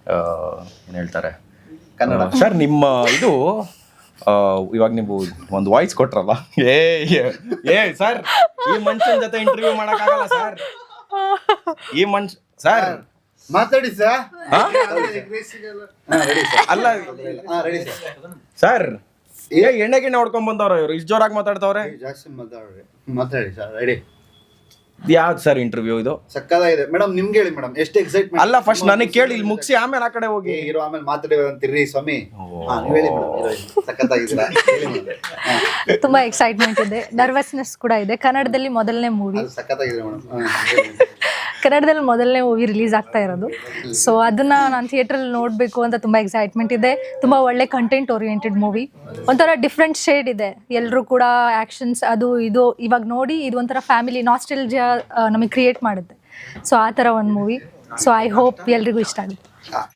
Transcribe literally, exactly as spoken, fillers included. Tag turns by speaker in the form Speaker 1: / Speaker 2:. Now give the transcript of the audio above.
Speaker 1: ಏನು ಹೇಳ್ತಾರೆ ಸರ್ ನಿಮ್ಮ ಇದು ಇವಾಗ ನೀವು ಒಂದು ವಾಯ್ಸ್ ಕೊಟ್ರಲ್ಲ ಏ ಏ ಸರ್ ಈ ಮನುಷ್ಯನ ಜೊತೆ ಇಂಟರ್ವ್ಯೂ ಮಾಡಕ್ಕಾಗಲ್ಲ ಸರ್ ಈ ಮನುಷ್ಯ ಸರ್
Speaker 2: ಮಾತಾಡಿ ಸರ್
Speaker 1: ಅಲ್ಲ ಸರ್ ಏ ಎಣ್ಣೆ ಗಿಣ್ಣೆ ಹೊಡ್ಕೊಂಡ್ ಬಂದವ್ರ ಇವ್ರು ಇಷ್ಟು ಜೋರಾಗಿ ಮಾತಾಡ್ತಾವ್ರೆ
Speaker 2: ಜಾಸ್ತಿ ಮಾತಾಡ್ರಿ ಮಾತಾಡಿ ಸರ್ ರೆಡಿ
Speaker 1: ಯಾವ್ದು ಸರ್ ಇಂಟರ್ವ್ಯೂ ಇದು
Speaker 2: ಸಕ್ಕದಾಗಿದೆ ಮೇಡಮ್ ನಿಮ್ಗೆ ಹೇಳಿ ಮೇಡಮ್ ಎಷ್ಟು ಎಕ್ಸೈಟ್ಮೆಂಟ್
Speaker 1: ಅಲ್ಲ ಫಸ್ಟ್ ನನಗೆ ಕೇಳಿ ಇಲ್ಲಿ ಮುಗಿಸಿ ಆಮೇಲೆ ಆ ಕಡೆ ಹೋಗಿ
Speaker 2: ಹೀರೋ ಆಮೇಲೆ ಮಾತಾಡಿ ಅಂತೀರಿ ಸ್ವಾಮಿ ಹಾ ನೀವು ಹೇಳಿ ಮೇಡಮ್ ಸಕ್ಕತ್ತಾಗಿದ್ದೀರಾ ಹೇಳಿ ಮೇಡಮ್
Speaker 3: ತುಂಬಾ ಎಕ್ಸೈಟ್ಮೆಂಟ್ ಇದೆ, ನರ್ವಸ್ನೆಸ್ ಕೂಡ ಇದೆ. ಕನ್ನಡದಲ್ಲಿ ಮೊದಲನೇ ಮೂವಿ
Speaker 2: ಅದು ಸಕ್ಕತ್ತಾಗಿದೆ ಮೇಡಮ್
Speaker 3: ಕನ್ನಡದಲ್ಲಿ ಮೊದಲನೇ ಮೂವಿ ರಿಲೀಸ್ ಆಗ್ತಾ ಇರೋದು. ಸೊ ಅದನ್ನ ನಾನು ಥಿಯೇಟ್ರಲ್ಲಿ ನೋಡಬೇಕು ಅಂತ ತುಂಬ ಎಕ್ಸೈಟ್ಮೆಂಟ್ ಇದೆ. ತುಂಬ ಒಳ್ಳೆ ಕಂಟೆಂಟ್ ಓರಿಯೆಂಟೆಡ್ ಮೂವಿ, ಒಂಥರ ಡಿಫ್ರೆಂಟ್ ಶೇಡ್ ಇದೆ. ಎಲ್ಲರೂ ಕೂಡ ಆ್ಯಕ್ಷನ್ಸ್ ಅದು ಇದು ಇವಾಗ ನೋಡಿ ಇದು ಒಂಥರ ಫ್ಯಾಮಿಲಿ ನಾಸ್ಟೆಲ್ಜಿಯಾ ನಮಗೆ ಕ್ರಿಯೇಟ್ ಮಾಡುತ್ತೆ. ಸೊ ಆ ಥರ ಒಂದು ಮೂವಿ. ಸೊ ಐ ಹೋಪ್ ಎಲ್ರಿಗೂ ಇಷ್ಟ ಆಗುತ್ತೆ.